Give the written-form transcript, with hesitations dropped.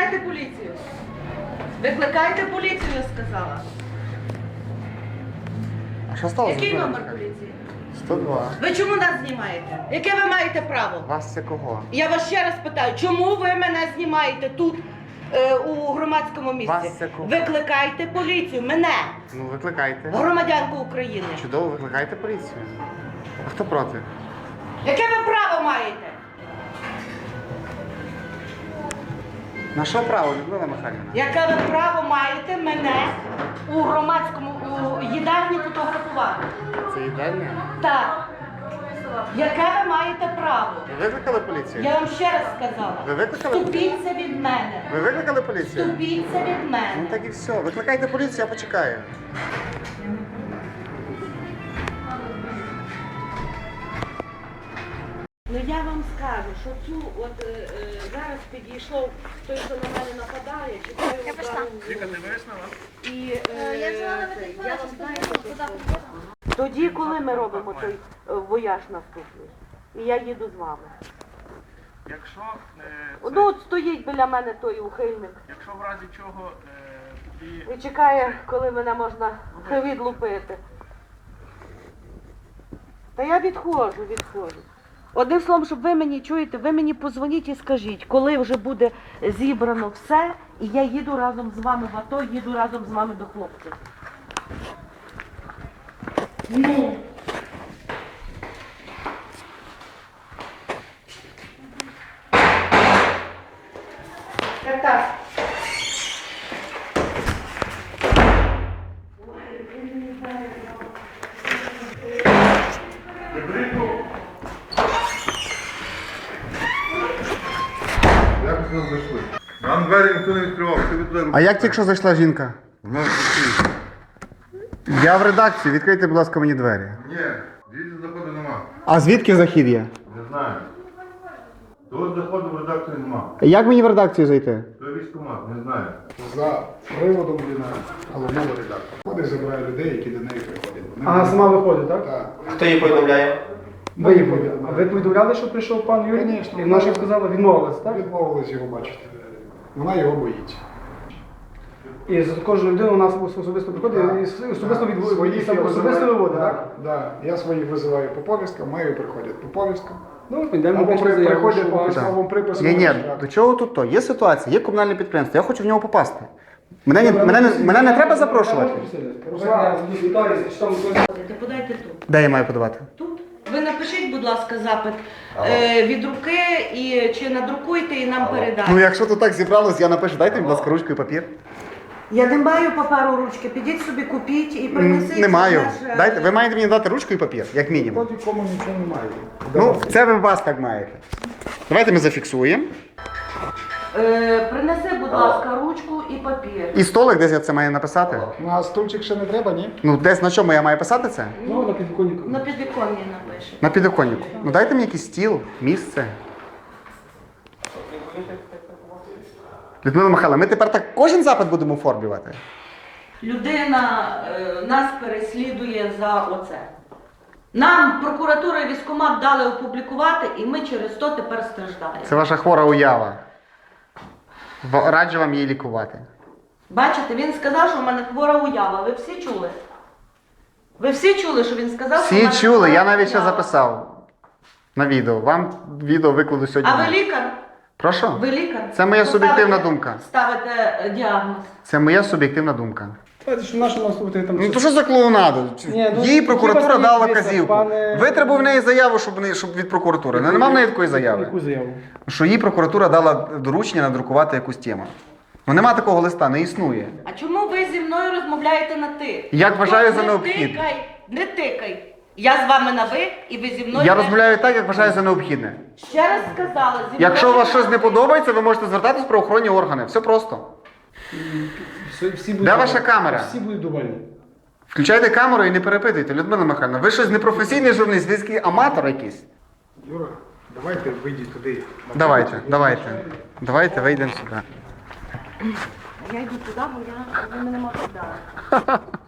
Викликайте поліцію. Викликайте поліцію, я сказала. А що сталося? Який номер поліції? 102. Ви чому нас знімаєте? Яке ви маєте право? Вас це кого? Я вас ще раз питаю, чому ви мене знімаєте тут, у громадському місці? Вас це кого? Викликайте поліцію, мене, Ну, викликайте. громадянку України. Чудово, викликайте поліцію. А хто проти? Яке ви право маєте? На що право, Людмила Михайлівна? Яке ви право маєте мене у громадському у їдальні фотографувати? Це їдальня? Так. Яке ви маєте право? Ви викликали поліцію? Я вам ще раз сказала. Ви викликали? Ступіться від мене. Ви викликали поліцію? Ступіться від Ну мене. так і все. Викликайте поліцію, я почекаю. Ну я вам скажу, що цю зараз підійшов той, хто на мене нападає, чекаю удару. Віка, ти вияснила? І Я взяла на телефон, я а вам що знаю, туди поїхала. тоді, коли ми робимо той вояж наступний, і я їду з вами. Якщо, Ну от стоїть біля мене той ухильник якщо в разі чого і і чекає, коли мене можна відлупити. Та я відходжу. Одним словом, щоб ви мені чуєте, ви мені позвоніть і скажіть, коли вже буде зібрано все, і я їду разом з вами в АТО, їду разом з вами до хлопців. Ну. Так. Як ви сюди зайшли? Нам двері ніхто не відкривав, ти туди А як тільки що зайшла жінка? У нас закриті. Я в редакції, відкрийте, будь ласка, мені двері. Ні, звідси заходу нема. А звідки захід є? Не знаю. Тут заходу в редакцію нема. Як мені в редакцію зайти? То військкомат, не знаю. За приводом Ліна головного редактора. Ходить, забирає людей, які до неї приходять. Ага, сама виходить, так? Так. Хто її повідомляє? Ви її повідомляли. А ви повідомляли, що прийшов пан Юрій? Звісно. І вона що сказала, відмовилась, так? Відмовились його бачити. Вона його боїться. І з кожну людину у нас особисто приходить і особисто особисто виводить, так? Так. Я своїх визиваю по повісткам, мої приходять по повісткам. Ну, підемо Або напишемо заяву, приходять що по вас- військовому припису. Ні, до чого тут то? Є ситуація, є комунальне підприємство, я хочу в нього попасти. Мене не треба запрошувати? Руслан, Віталій, що там Подайте тут. Де я маю подавати? Тут. Ви напишіть, будь ласка, запит від руки і чи надрукуйте і нам передайте. Ну якщо тут так зібралось, я напишу, дайте, будь ласка, ручку і папір. Я не маю паперу ручки, підіть собі купіть і принесіть. Не маю. наше- Дайте, ви маєте мені дати ручку і папір, як мінімум. Тоді кому нічого немає. Ну, це ви вас так маєте. Давайте ми зафіксуємо. Принеси, будь ласка, ручку і папір. І столик, десь я це маю написати? Ну, а стульчик ще не треба, ні? Ну, десь на чому я маю писати це? Ну, на підвіконнику. На підвіконні напиши. На підоконнику. Ну дайте мені якийсь стіл, місце. Людмила Михайловна, ми тепер так кожен запит будемо оформлювати? Людина нас переслідує за оце. Нам прокуратура і військкомат дали опублікувати, і ми через то тепер страждаємо. Це ваша хвора уява. Раджу вам її лікувати. Бачите, він сказав, що в мене хвора уява. Ви всі чули? Ви всі чули, що він сказав, що в Всі мене чули, хвора я навіть ще уява? записав на відео. Вам відео викладу сьогодні. А ви лікар? Прошу? Ви лікар? Це моя Ви суб'єктивна ставите- думка. Ставите діагноз. Це моя суб'єктивна думка. Давайте, що нашу нас слухати там. Ну то що за клоунаду? Ні, ну, Їй прокуратура хіба дала дивіться, казівку. пане- Витребув в неї заяву, щоб від прокуратури. Ну, нема в неї такої заяви. Яку заяву? Що їй прокуратура дала доручення надрукувати якусь тему. Ну нема такого листа, не існує. А чому ви зі мною розмовляєте на ти? Як вважаю за Не необхідне. тикай, не тикай. Я з вами на ви, і ви зі мною... Я теж- розмовляю так, як вважаю за необхідне. Ще раз сказала, зі мною... Якщо у вас щось не подобається, ви можете звертатись в правоохоронні органи. Все просто. Всі будуть Де ваша камера? Всі будуть довольні. Включайте камеру і не перепитуйте, Людмила Михайлівна. Ви щось непрофесійний журналіст, ви такий аматор якийсь. Юра, давайте вийдіть туди. Давайте, вийдемо сюди. Я йду туди, бо ви мене можете дати.